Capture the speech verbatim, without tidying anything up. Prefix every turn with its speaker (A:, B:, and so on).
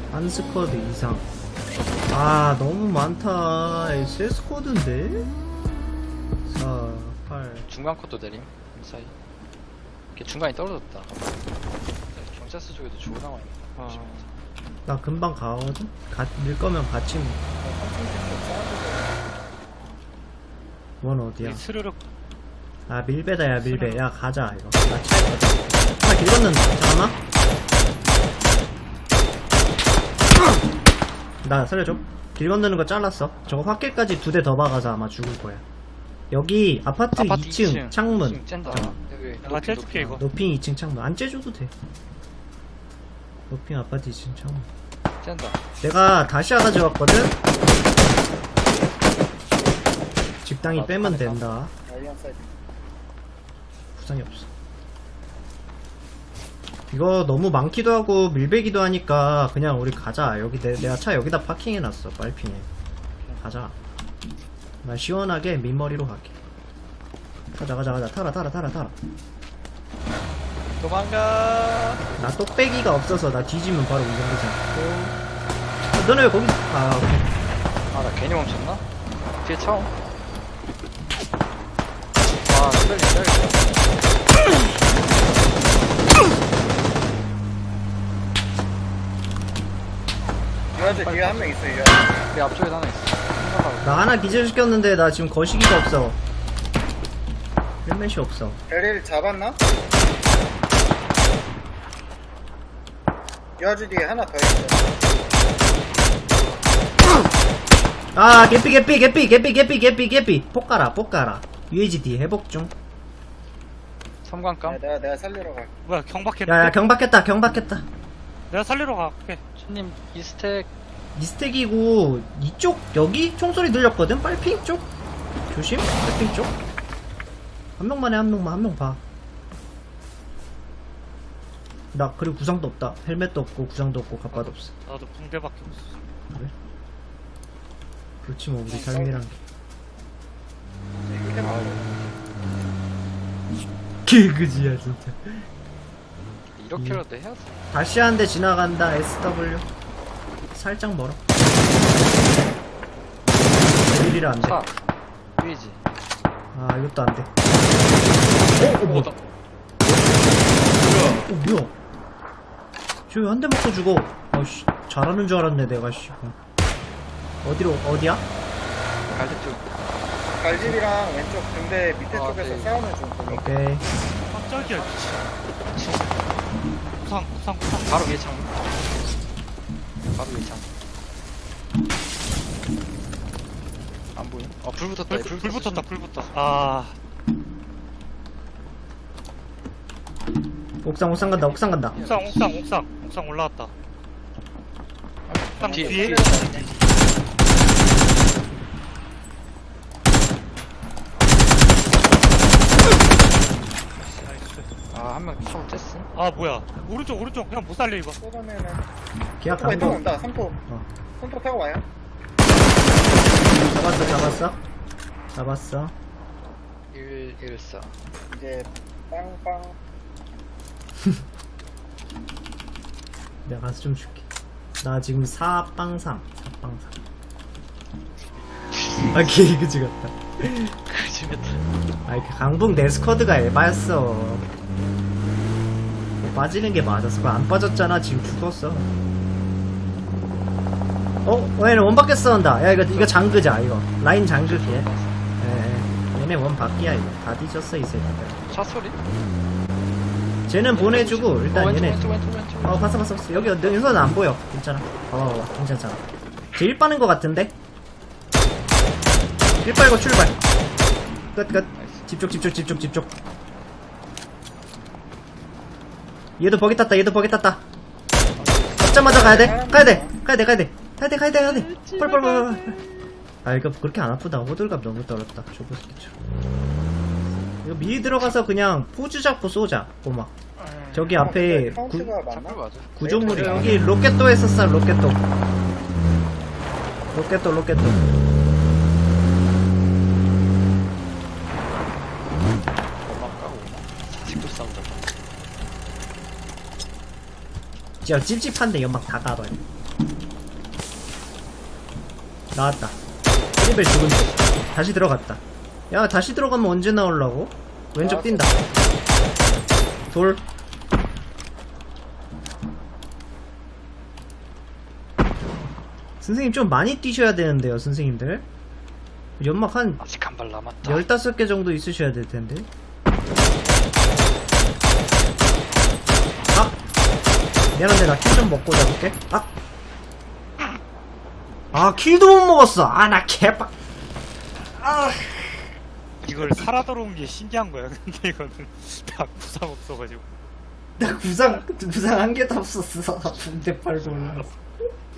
A: 한 스쿼드 이상. 아 너무 많다. 세 스쿼드인데? 사, 팔.
B: 중간 컷도 내림 사이. 이렇게 중간이 떨어졌다. 경찰서 쪽에도 주고 나와 있네.
C: 아,
A: 나 금방 가거든? 가, 밀 거면 같이 밀. 원 어디야?
C: 이 스르륵.
A: 아 밀배다 야 밀배. 야 가자 이거. 나 차에 가자. 하나 길 건넌다. 잠깐만. 나 살려줘. 길 건너는 거 잘랐어. 저거 확길까지 두 대 더 박아서 아마 죽을 거야. 여기 아파트,
B: 아파트
A: 이 층,
B: 이 층
A: 창문.
B: 짠다.
A: 어.
B: 여기
C: 내가
B: 높이,
C: 째줄게,
B: 높이.
C: 이거.
A: 노핑 이 층 창문. 안 째줘도 돼. 노핑 아파트 이 층 창문.
B: 짠다.
A: 내가 다시아 가져왔거든? 직당이
B: 아,
A: 빼면
B: 하네가.
A: 된다. 부상이 없어. 이거 너무 많기도 하고 밀배기도 하니까 그냥 우리 가자. 여기 내, 내가 차 여기다 파킹해놨어. 빨핑에. 가자. 나 시원하게 민머리로 갈게. 가자 가자 가자. 타라 타라 타라 타라.
B: 도망가.
A: 나 똑배기가 없어서 나 뒤지면 바로 운전기사. 어, 너네 왜 거기? 아 오케이.
B: 아, 나 괜히 멈췄나? 뒤에 차 옴. 아, 스펠링 써야겠다.
D: 유아제 뒤에 한 명 있어, 유아제.
B: 내 앞쪽에 하나 있어. 생각하고.
A: 나 하나 기절시켰는데 나 지금 거시기가 없어. 헬멧이 없어.
D: 베리를 잡았나? 유아제 뒤에 하나 더 있어.
A: 아 개삐 개삐 개삐 개삐 개삐 개삐 개삐 폭가라 폭가라. 유에이지디 회복 중.
B: 섬광감.
D: 내가, 내가 살리러 갈게.
C: 뭐야, 경박했네.
A: 야야 경박했다 경박했다.
C: 내가 살리러 갈게.
B: 손님, 이 스택.
A: 미스텍이고 이쪽 여기 총소리 들렸거든. 빨핑 쪽 조심. 빨핑 쪽 한 명만 해. 한 명만 한 명 봐. 나 그리고 구상도 없다. 헬멧도 없고 구상도 없고 갑바도 없어.
C: 나도 붕대밖에 없어.
A: 그래? 그렇지 뭐 우리 삶이란 게. 개그지야 진짜.
B: 이렇게라도 해야지.
A: 다시 한 대 지나간다. 에스더블유 살짝 멀어. 일이라 안 돼.
B: 차. 위지.
A: 아 이것도 안 돼. 어? 어 뭐?
B: 나.
A: 어 뭐야? 저기 한 대 맞고 죽어. 어씨 잘하는 줄 알았네 내가 씨. 어디로 어디야?
B: 갈대 쪽.
D: 갈집이랑 왼쪽 등대 밑에
B: 아,
D: 쪽에서
B: 네.
D: 싸우는 중. 거기.
A: 오케이.
C: 깜짝이야, 미친. 구상, 구상, 구상.
B: 바로 위에 창. 바로 위에 창. 안 보여? 어, 불 붙었다.
C: 불, 불 붙었다, 불 붙었다. 아,
A: 옥상 옥상 간다 옥상 간다.
C: 옥상, 옥상, 옥상. 옥상 올라왔다. 옥상
B: 뒤에.
C: 뒤에? 나이스.
B: 아, 한 명 차고 뗐어.
C: 아, 뭐야. 오른쪽, 오른쪽. 그냥 못 살려, 이거.
D: 쏘면은.
A: 계약
D: 삼포 왼쪽
A: 강도.
D: 온다, 삼포.
A: 어.
D: 손톱 타고 와요.
A: 잡았어 잡았어. 잡았어.
B: 일, 일, 사.
D: 이제, 빵빵.
A: 내가 가서 좀 줄게. 나 지금 사빵삼 사빵삼. 아 개그지 같다.
B: 그지겠다.
A: 아이 그 강북 내 스쿼드가 에바였어. 뭐 빠지는 게 맞았어. 그거 안 빠졌잖아. 지금 죽었어. 어? 어 얘네 원 밖에 싸운다. 야 이거 이거 장그자 이거. 라인 장그게. 예, 얘네 원 밖이야 이거. 다 뒤졌어 이 새끼들.
B: 차 소리?
A: 쟤는 보내주고 일단
B: 어, 왼쪽,
A: 얘네.
B: 왼쪽, 왼쪽, 왼쪽.
A: 어 봤어 봤어 봤어. 여기 여기서는 안 보여. 괜찮아. 어 괜찮잖아. 제일 빠는 거 같은데. 일 빨고 출발. 끝 끝. 집중 집중 집중 집중. 얘도 버기 탔다. 얘도 버기 탔다. 잡자마자 가야 돼. 가야 돼. 가야 돼. 가야 돼. 가야 돼. 가야 돼. 가야 돼. 빨빨빨빨. 아 이거 그렇게 안 아프다. 호들갑 너무 떨었다. 저거 새끼처럼. 이거 미리 들어가서 그냥 포즈 잡고 쏘자. 꼬마. 저기 앞에 구,
D: 카운트가 맞나?
B: 차풀 맞아.
A: 구조물이 여기 로켓도에 썼어. 로켓도. 로켓도 로켓도.
B: 엄마 까고 오나? 직도 싸우자.
A: 진짜 찝찝한데 연막 다 가봐요. 나왔다. 크리벨 죽은 쪽. 다시 들어갔다. 야, 다시 들어가면 언제 나오려고? 왼쪽 뛴다. 돌. 선생님 좀 많이 뛰셔야 되는데요, 선생님들. 연막 한
B: 아직 한 발 남았다.
A: 열다섯 개 정도 있으셔야 될 텐데. 아! 미안한데, 나 킬 좀 먹고 잡을게. 아! 아, 킬도 못 먹었어! 아, 나 개빡! 아!
C: 이걸 살아 들어온 게 신기한 거야. 근데 이거는 다 구상 없어가지고.
A: 나 구상, 구상 한 개도 없었어. 붕대 팔고 올라왔어.